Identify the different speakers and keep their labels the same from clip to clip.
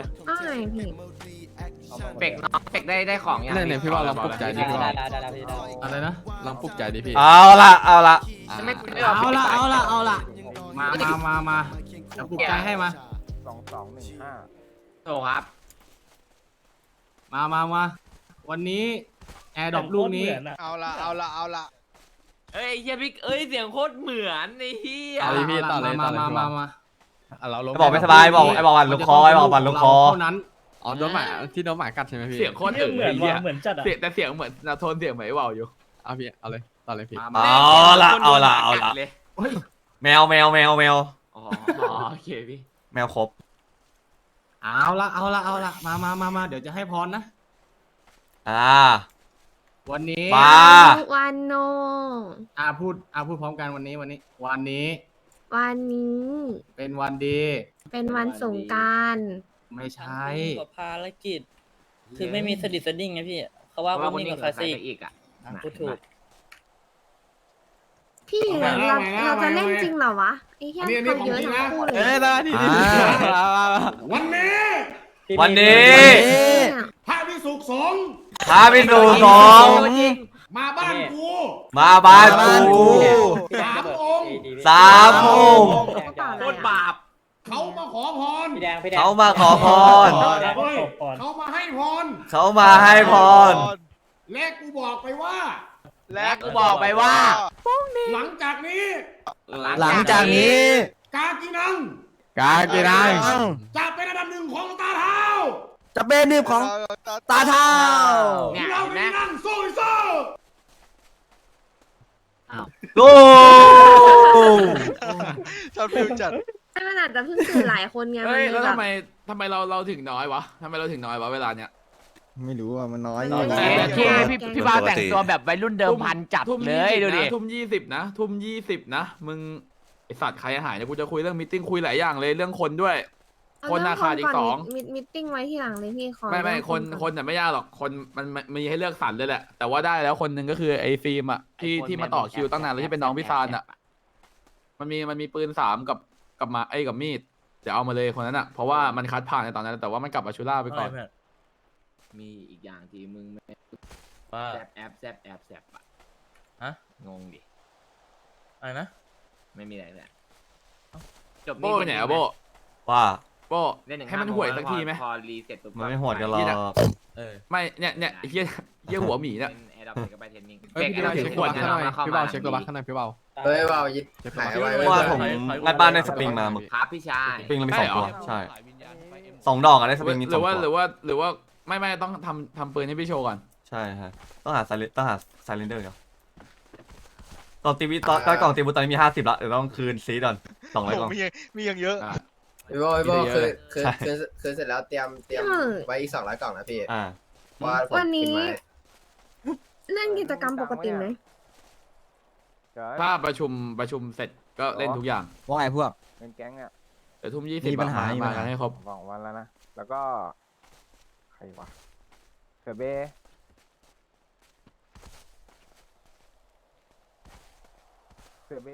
Speaker 1: อ้ายพี่
Speaker 2: เป็กน้องเป็กได้ของยัง
Speaker 3: เนี่ยพี่ว่าลองปลุกใจดิพี่ว่า
Speaker 4: ได้พี่ได้
Speaker 3: อะไรนะลองปลุกใจดิพี่
Speaker 5: เอาละ
Speaker 3: อ่า
Speaker 2: เอาละ
Speaker 6: มาเดี๋ยวปลุกใจให้มา
Speaker 2: โถครับ
Speaker 6: มาวันนี้แอร์ดรอปลูกนี้
Speaker 7: เอาละ
Speaker 2: เอ้ยเฮียพี่เอ้ยเสียงโคตรเหมือนไอ้เฮีย
Speaker 3: เอาเลยพี่ต่อเลย
Speaker 6: มา
Speaker 3: เราลง
Speaker 5: บอกไม่สบายบอกไอ้บอกวันลูกคอไอ้บอกวันลูกคอ
Speaker 6: เท่านั้น
Speaker 3: อ๋อโดนหมาที่โดนหมากัดใช่ไหมพี่
Speaker 2: เสียงโคตรเหมือนเหมือนจัดอะแต่เสียงเหมือนโทนเสียงเหมือนไอ้เบาอยู่
Speaker 3: เอาพี่เอาเลยต่อเลยพี่
Speaker 5: เอาละแมว
Speaker 2: อ๋อโอเคพี่
Speaker 5: แมวครบ
Speaker 6: เอาละมาเดี๋ยวจะให้พรนะ วันนี้
Speaker 5: มา
Speaker 1: วันโน
Speaker 6: พูดพร้อมกันวันนี้ วันนี้
Speaker 1: วันนี้
Speaker 6: เป็นวันดี
Speaker 1: เป็นวันสงกรานต์
Speaker 6: ไม่ใช่
Speaker 4: กับภารกิจ คือไม่มีสดิสดิ้งไงพี่ เขาว่าวันนี้กับคลาสสิก
Speaker 2: อีกอ่ะ
Speaker 4: พูดถูก
Speaker 1: พี่
Speaker 6: เอาไง
Speaker 1: เราจะเล่นจริงเหรอวะไอ้เหี้ยเขาเยอะทั้งคู่เลย
Speaker 3: ได้ที่
Speaker 6: วันนี้
Speaker 5: วันนี้
Speaker 6: พระวิสุขสงฆ์
Speaker 5: พาไปสู่สงฆ์
Speaker 6: มาบ้านกู
Speaker 5: มาบ้านกู
Speaker 6: 3 องค์
Speaker 5: 3 องค์
Speaker 2: โคตรบาป
Speaker 6: เขามาขอพร
Speaker 4: พี่แดง
Speaker 5: เขามาขอพร
Speaker 6: เขามาให้พร
Speaker 5: เขามาให้พร
Speaker 6: และกูบอกไปว่า
Speaker 7: และกูบอกไปว่า
Speaker 6: หลังจากนี้
Speaker 5: หลังจากนี้
Speaker 6: กากินัง
Speaker 3: กากีนัง
Speaker 6: จะเป็นอันดับหนึ่งของตาเท้า
Speaker 5: จะเป็นนิบของตาเท้า
Speaker 2: เนี่ย
Speaker 6: เรา
Speaker 2: เห็นไหม
Speaker 6: ไปนั่งสู้สู้
Speaker 5: โก้
Speaker 7: ชอบฟิวจัด
Speaker 1: ให้มันอาจจะเพิ่งตื่นหลายคนไง
Speaker 2: เฮ้ยแล้ว
Speaker 1: แบบ
Speaker 2: ทำไมเราถึงน้อยวะทำไมเราถึงน้อยวะเวลาเนี้ย
Speaker 5: ไม่รู้ว่ามันน้อย
Speaker 2: พี่บ้าแต่งตัวแบบวัยรุ่นเดิมพันจัดเลยดูดิทุ่มยี่สิบนะมึงไอสัตว์ใครหายเนี่ยกูจะคุยเรื่องมิทติ้งคุยหลายอย่างเลยเรื่องคนด้วย คนราคาอีก2
Speaker 1: มิทติ้งไว้ที่หลังเลยพี่ขอ
Speaker 2: ไม่คนแต่ไม่ยากหรอกคนมันมีให้เลือกสรรเลยแหละแต่ว่าได้แล้วคนหนึ่งก็คือไอ้ฟิล์มอ่ะที่มาต่อคิวตั้งนานแล้วที่เป็นน้องพี่ซานอ่ะมันมีปืน3กับมากับมีดเดี๋ยวเอามาเลยคนนั้นอ่ะเพราะว่ามันคัดผ่านในตอนนั้นแต่ว่ามันกลับมาชูล่าไปก่อนมีอีกอย่างที่มึงว่าแอบอ่ะฮะงงดิอะไรนะไม่มีอะไรเลยจบโบ้เนี่ยโบ้
Speaker 5: ว่า
Speaker 2: โบ้ให้มันห่วยสักทีไหมพอรีเซ็ตปุ๊บ
Speaker 5: มันไม่หวดกันหรอก
Speaker 2: ไม่เนี่ยเฮียหัวหมีเนี่ย
Speaker 3: พี่เบาเช็คตัวบัคข้างในพี่เบาเช็คตัวบัคข้างในพี่เบา
Speaker 8: เฮ้ยว่ายึดหายไว้
Speaker 5: เพราะว่าผมงัดบ้านได้สปริงมาหมึก
Speaker 2: ครับพี่ชาย
Speaker 5: สปริงเรามี2 ตัวใช่2 ดอกอะได้สปริงมี2
Speaker 2: หรือ
Speaker 5: ตัว
Speaker 2: ว่าไม่ต้องทำปืนให้พี่โชว์ก่อน
Speaker 5: ใช่ฮะต้องหาไซเลนเดอร์ครับกล่องตีวิตอนกล่องตีวิตตอนนี้มี50ละเดี๋ยวต้องคืนซีก่อน200 กล่อง
Speaker 7: มีอย่างเยอะ
Speaker 8: พี่โบ้คือเสร็จแล้วเตรียมไว้อีก200 กล่องนะพี่ว่าผม
Speaker 1: วัน
Speaker 8: กิ
Speaker 1: นี้
Speaker 8: นไว้
Speaker 1: เล่นกิจกรรมปกติไหม
Speaker 2: ถ้าประชุมเสร็จก็เล่นทุกอย่าง
Speaker 5: ว่าไงพวก
Speaker 9: เป็นแก๊งอ่ะ
Speaker 2: แต่ทุ่ม20
Speaker 5: มีปัญหา
Speaker 2: มากันให้ครบ
Speaker 9: 2 วันแล้วนะ แล้วก็ใครวะเสือเบเสือเบ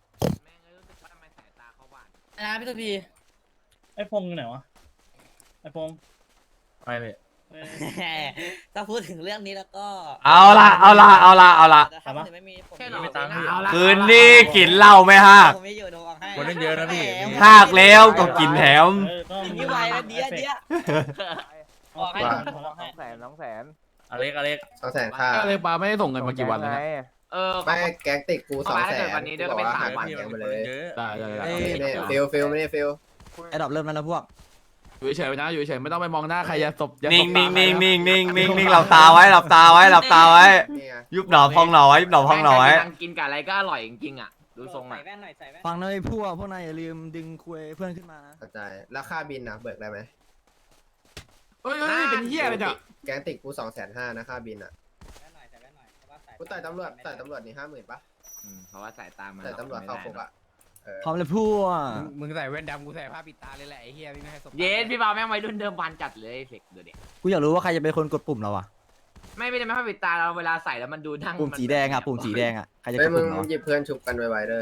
Speaker 4: นะพี่ตัวพี
Speaker 6: ไอ้พงไหนวะไอ้พง
Speaker 2: ไปเลย
Speaker 4: ถ้าพูดถึงเรื่องนี้แล้วก็
Speaker 5: เอาละ
Speaker 4: แต่ถ้าไม่มีผม
Speaker 6: ไม่ตังค์พี่
Speaker 5: คืนนี้กินเหล้าไม่ฮาก
Speaker 4: ผมไม่อยู่โดนให้
Speaker 6: คนเล่นเยอะนะพี่
Speaker 5: หากแล้วก็กินแถม
Speaker 4: นี่ไวแล้วเดี๋ยวออกให้ผมออกให้
Speaker 9: 200,000
Speaker 6: อเล็ก
Speaker 8: 200,000 ค่า
Speaker 2: ก็เลยปาไม่ได้ส่งเงินมากี่วันแล้ว
Speaker 9: ไง
Speaker 2: เนี่ย
Speaker 8: ไม่แก๊งติดกู
Speaker 2: วันนี้ด้วยก็เป็น3 วัน
Speaker 8: แก๊งไปเลย
Speaker 2: ได้
Speaker 8: ฟิลไม่ได้ฟิล
Speaker 5: ไอ้ดอกเริ่มแล้วนะพวก
Speaker 2: อยู่เฉยๆนะอยู่เฉยๆไม่ต้องไปมองหน้าใครอย่าสบ
Speaker 5: นิ่งหลับตาไว้ยุบหนอพองหนอไว้
Speaker 2: กินกับอะไรก็อร่อยจริงๆอ่ะดูทรง
Speaker 4: ใส่
Speaker 2: อ่ะ
Speaker 4: แว่นหน่อยใส่แว่น
Speaker 5: ฟังนะไอ้พวกนายอย่าลืมดึงคุยเพื่อนขึ้นมานะ
Speaker 8: เข้าใจแล้วค่าบินนะเบิกได้ไหม
Speaker 2: เฮ้ยเป็นเหี้ยอะไรเนี่ย
Speaker 8: แก๊งติดกู250,000นะค่าบินอ่ะ
Speaker 4: ใส่แว่นหน่อย
Speaker 8: กูต่อยตำรวจนี่50,000ป่ะ
Speaker 2: เพราะว่าสายตามัน
Speaker 8: ต่อยตำรวจเข้าคุกอ่ะ
Speaker 5: พร้อมเลยพวก
Speaker 3: มึงใส่แว่นดำกูใส่ผ้าปิดตาเลยแหละไอ้เหี้ยไม่ให้สบ
Speaker 2: เย็นพี่บ่าวแม่งวัยรุ่นเดิมพันจัดเลยเฟกดูดิ
Speaker 5: กูอยากรู้ว่าใครจะเป็นคนกดปุ่มเราอะ
Speaker 2: ไม่ได้ไม่ปิดตาเราเวลาใส่แล้วมันดูนั่ง
Speaker 5: ปุ่มสีแดงอะใครจะก
Speaker 8: เฮ้ย
Speaker 5: ด
Speaker 8: มึ
Speaker 5: ปุ่
Speaker 8: ง
Speaker 5: มเรา
Speaker 8: หยิบเพื่อนชุบกันไวๆเลย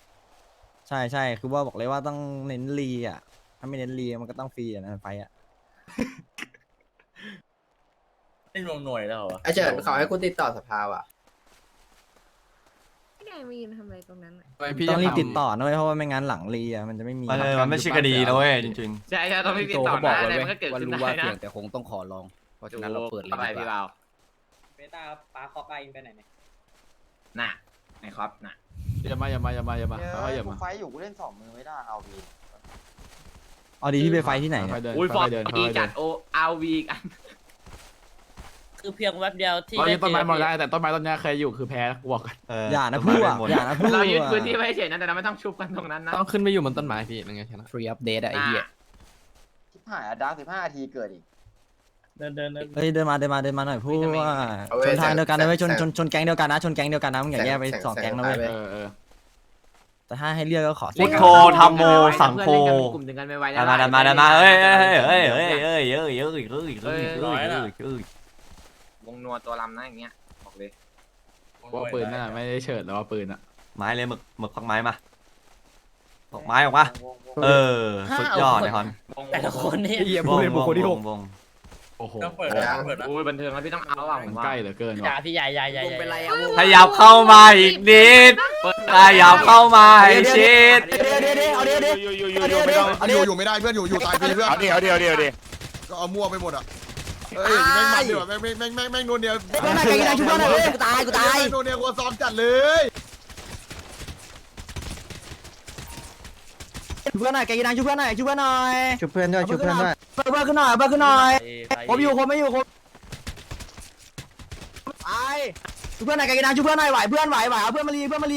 Speaker 5: ใช่คือว่าบอกเลยว่าต้องเน้นรีอะถ้าไม่เน้นรีมันก็ต้องฟรีอะนะไฟอะ
Speaker 4: เล่นวงหน่วยแล้วเหรอ
Speaker 8: ไอเฉินเขาให้กูติดต่อสภาว่ะ
Speaker 1: พี่แดงมายืนทำอะไรตรงนั้นอ่ะ
Speaker 3: ต้องรีบติดต่อนะเว้ยเพราะว่าไม่งั้นหลังรีอ่ะมันจะไม่มี
Speaker 5: มันไม่ใช่คดีนะเว้ยจริง
Speaker 6: ใช่ต้องไม่ติดต่อนะอะไรมันก็เกิดขึ้นได้นะแต่คงต้องขอลองเพราะฉะนั้นเราเปิดเลยดีกว่า
Speaker 4: เบต้าปาคอปาอินไปไหนเนี่ย
Speaker 6: น่ะไหนครับน่ะ
Speaker 2: อย่ามาค่อยๆอย่ามา
Speaker 9: ไฟอยู่กูเล่น2 มือไม่ได้เอาวี
Speaker 3: เอาดีพี่ไปไฟที่ไหน
Speaker 2: ค่อยๆเดิน
Speaker 6: อุ้ยฟอ
Speaker 2: ค่
Speaker 6: ร์
Speaker 2: อยๆเดิน
Speaker 6: ม
Speaker 2: ค่
Speaker 6: ดี
Speaker 2: อยๆ
Speaker 6: จั
Speaker 2: เดิ
Speaker 6: ด
Speaker 2: น
Speaker 6: โออาวีกัน
Speaker 4: คือเพียงแวบเดียวที่
Speaker 2: ตอนนี้ต้นไม้
Speaker 4: เจ
Speaker 2: หมดได้แต่ต้นไม้ต้นนี้ใครอยู่คือแพ้กูบอกกัน
Speaker 5: ๆเออ
Speaker 3: อย่านะ
Speaker 5: ต้น
Speaker 3: พู
Speaker 5: ไม้
Speaker 3: ด
Speaker 5: เล่นหมด
Speaker 3: อย่านะพูด
Speaker 6: เรายึดพื้นที่ไว้เฉยนะแต่เราไม่ต้องชุบกันตรงนั้นนะ
Speaker 3: ต้องขึ้นไปอยู่บนต้นไม้พี่มันไงชนะฟรีอัปเดตอะไอ้เหี้ย
Speaker 9: ชิบหายดาว15 นาทีเกิดอีก
Speaker 4: เดิน
Speaker 3: เฮ้ยเดินมาหน่อยพูดว่าชนทางเดียวกันนะเว้ยชนแก๊งเดียวกันนะชนแก๊งเดียวกันนะมึงอย่าแยกไป2แก๊งนะเว้ย
Speaker 2: เออ
Speaker 3: แต่ถ้าให้เลือกก็ขอ
Speaker 5: พุทโธธรรมโมสังโฆ
Speaker 6: กลุ่มถึงกันไวๆ
Speaker 5: ดันมาเอ้ยว
Speaker 6: งนัวตัวลำนะอย่างเงี้ยบอกเลย
Speaker 2: ว่าปืนนั่นไม่ได้เฉิดแล้วว่าปืนอ่ะ
Speaker 5: ไม้เลยหมึกพักไม้มาตกไม้ออกมาเออสุดยอดเลยฮอน
Speaker 4: แต่ละคนนี่
Speaker 5: วง
Speaker 2: โอ้โห
Speaker 4: ต้องเปิดนะ
Speaker 6: โอ้ยบันเทิงแล้วพี่ต้องเอาอ่ะผ
Speaker 2: มัน
Speaker 6: มว่า
Speaker 2: ใกล้เหลือเกิน
Speaker 4: อย่า
Speaker 2: ว่ะ
Speaker 4: พี่ใหญ่
Speaker 6: วงเป็นไร
Speaker 5: ขยับเข้ามาอีกนิดขยับเข้ามาอีกชิด
Speaker 10: อยู่ไม่ได้เพื่อนอยู่ตายฟรีเพื่อน
Speaker 7: เอาดิ
Speaker 10: ก็เอามั่วไปหมดอ่ะเอ้ยแม่งมันดีกว่าแม่งโดนเดียว
Speaker 3: เพื่อนไหนไกลกินชุบเพื่อนหน่อยกูตาย
Speaker 10: โดนเดียวกูซ้อมจัดเลย
Speaker 3: เพื่อนหน่อยไกลกินชุบเพื่อนหน่อยชุบเพื่อนด้วย
Speaker 9: ชุบเพื่อนด้วย
Speaker 3: เพื่อนขึ้นหน่อยผมอยู่ผมไม่อยู่ผมไอ้ชุบเพื่อนหน่อยไกลกินชุบเพื่อนหน่อยไหวเอาเพื่อนมาลี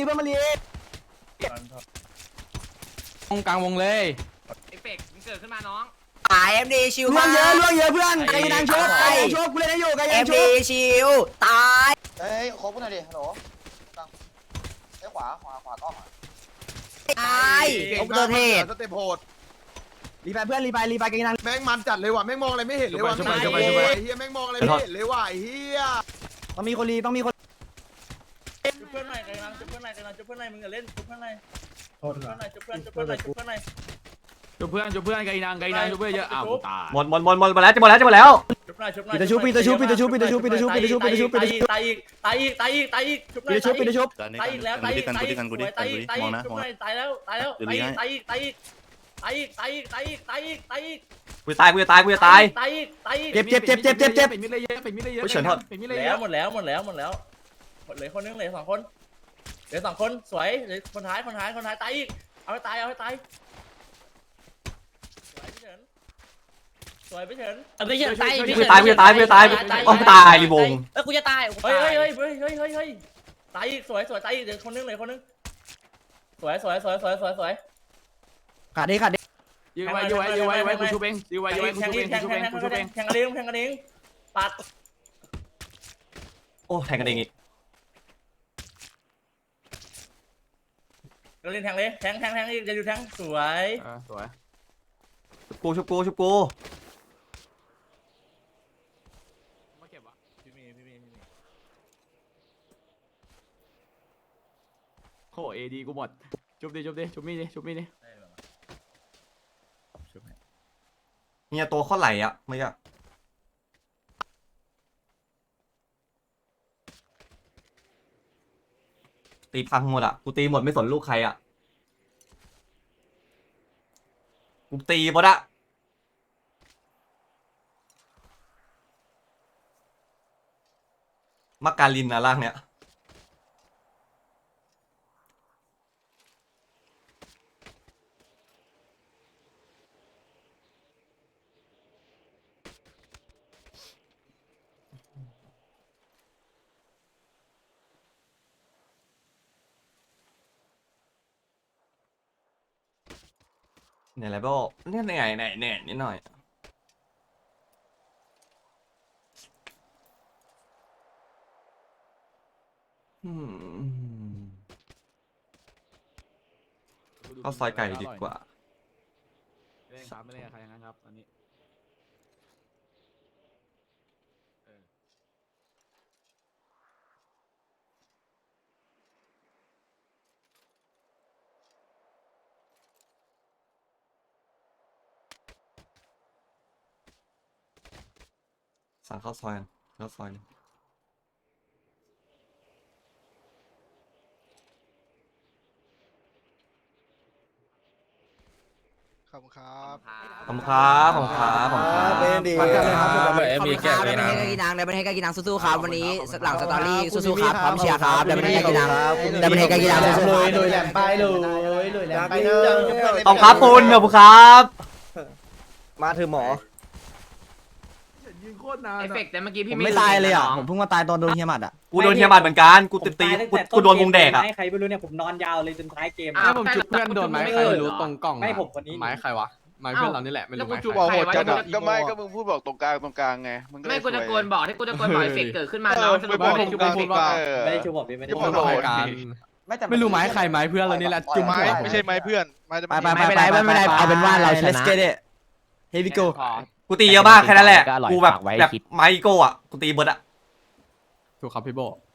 Speaker 3: ตรงกลางวงเลย
Speaker 6: เอฟเฟกต์มันเกิดขึ้นมาน้อง
Speaker 3: เรื่องเยอะเพื่อนไกลกินชุบกูเล่นได้อยู่ไกลกินชุบ
Speaker 9: เฮ้ยครบกูหน่อยดิฮัลโหลไอ้ขวากล้อง
Speaker 10: โดนเทศสเต็ปโหด
Speaker 3: รีไปเพื่อนรีไปไกลกิน
Speaker 10: แม่งมันจัดเลยว่ะแม่งมองอะไรไม่เห็นเลยว่ะไอ้เฮียแม่งมองอะไรไม่เห็นเลยว่ะไอ้เฮีย
Speaker 3: ต้องมีคนรีต้องมีคน
Speaker 4: จุบเพื่อนหน่อยจุบเพื่อนหน่อยมึงอย่าเล่นจุบเพื่อนหน่อยจุบเพื่อนหน่อย
Speaker 2: จุบเพื่อนไกลนางจุบเพื่อนเยอะอ้าวตาย
Speaker 5: หมดแล้วจะหมดแล้ว
Speaker 4: จุบหน่อย
Speaker 3: ปิดชุบตายอีกชุบตายอีกชุบ
Speaker 4: ตายอีกแล้วตายอีกตายอีกชุบหน่อยตายแล้วตายอีก
Speaker 5: กูจะตาย
Speaker 3: เจ็บ
Speaker 2: เป็นมิดเลยเยอะเป็นมิดเลยเยอะ
Speaker 5: เฉินทอด
Speaker 2: เป็นมิดเลยเย
Speaker 4: แล้ว
Speaker 2: อะ
Speaker 4: หมดแล้วเหลือคนนึงเหลือ2 คนเหลือ2 คนสวยเหลือคนท้ายตายอีกเอาให้ตายสวยพี่เฉินตาย
Speaker 5: กูจะตายโอ้ตายรีวง
Speaker 4: กูจะตายเฮ้ยตายอีกสวยตายอีกเหลือคนนึงสวย
Speaker 3: ขาดดิ
Speaker 2: ยื้อไว้กูชูเองยื้อไว้กูชูเอง
Speaker 4: แทงกันเองปัด
Speaker 5: โอ้แทงกันเองอีก
Speaker 4: เราเล่นแทงเลยแทงอีกจะอยู่แทงสวย
Speaker 2: สวย
Speaker 5: ชุบกู
Speaker 2: มาเก็บวะโอ้เอดีกูหมดชุบดิชุบมีดิ
Speaker 5: เนี่ยตัวข้อไหลอ่ะไม่ใช่ตีพังหมดอ่ะกูตีหมดไม่สนลูกใครอ่ะกูตีหมดอ่ะมักการินนะร่างเนี้ยเนี่ยอะไรบ้างเนี่ยเนี่ยนิดหน่อยเข้าซอยไก่ดีกว่า
Speaker 2: เล่นครับไม่เล่นกับใครอย่างนั้นครับตอนนี้
Speaker 5: สั่งข้าวซอยกันแล้วซอยนึง
Speaker 7: ขอบคุณครับ
Speaker 5: ขอบคุณครับขอบคุณครับขอบคุณครับ
Speaker 6: เป็นดีครับ
Speaker 3: มีแก้วนะ
Speaker 6: กินนังได้ประเทศกินนังสู้ๆครับวันนี้หลังสตอรี่สู้ๆครับพร้อมเชียร์ครับได้ประเทศกินนังได้ประเทศกินนังสู้ๆ
Speaker 8: ลุยแหลมไปลุยแหลมไปเนอะ
Speaker 5: ขอบคุณครับคุณขอบคุณครับ
Speaker 6: มาเถอะหมอ
Speaker 2: ยืนโคตรนาน
Speaker 9: เอฟเฟกต์แต่เมื่อกี้
Speaker 3: ผ
Speaker 9: พี่
Speaker 3: มไม่ตายเลยอ่ะผมเพิ่งมาตายตอนโดนเฮียหมัดอ่ะ
Speaker 5: กูโดนเฮียบัตเหมือนกันกูตีกูโดนวงแดกอ่ะ
Speaker 11: ให้ใครไม่รู้เนี่ยผมนอนยาวเลยจนท้ายเกม
Speaker 9: ถ้าผมจุดเพื่อนโดนไหมใครไม่รู้ตรงกล่อง
Speaker 11: ไม่ผมคนนี้
Speaker 2: ไม้ใครวะไม้เพื่อนเรานี่แหละไม่รู้ไม้
Speaker 7: จุบอกโหดจัดอะ
Speaker 9: ก็ไม่ก็
Speaker 7: มึงพูดบอกตรงกลางไงมึง
Speaker 9: ไม่กูจะโกนบอกที่กูจะโกนบอกเอฟเฟกต์เกิดขึ้นมาแล้วสรุปว่าเป็นจุดเอฟเฟกต์
Speaker 11: ไม่ได้ชูบอกพี่ไม่ได้
Speaker 7: พูดโหด
Speaker 2: ไม่รู้ไม้ใครไม้เพื่อนเรานี่แหละจุ่ม
Speaker 7: ไม้ไม่ใช่ไม้เพื่อนไม้
Speaker 3: ไปเอาเป็นว่าเราชนะ Let's get it Here we go
Speaker 5: กูตีเยอะมากแค่นั้นแหละกูแบบไมโก้อ่ะกูตีเบิร์ดอ่ะ
Speaker 2: ถูกครับพี่โบ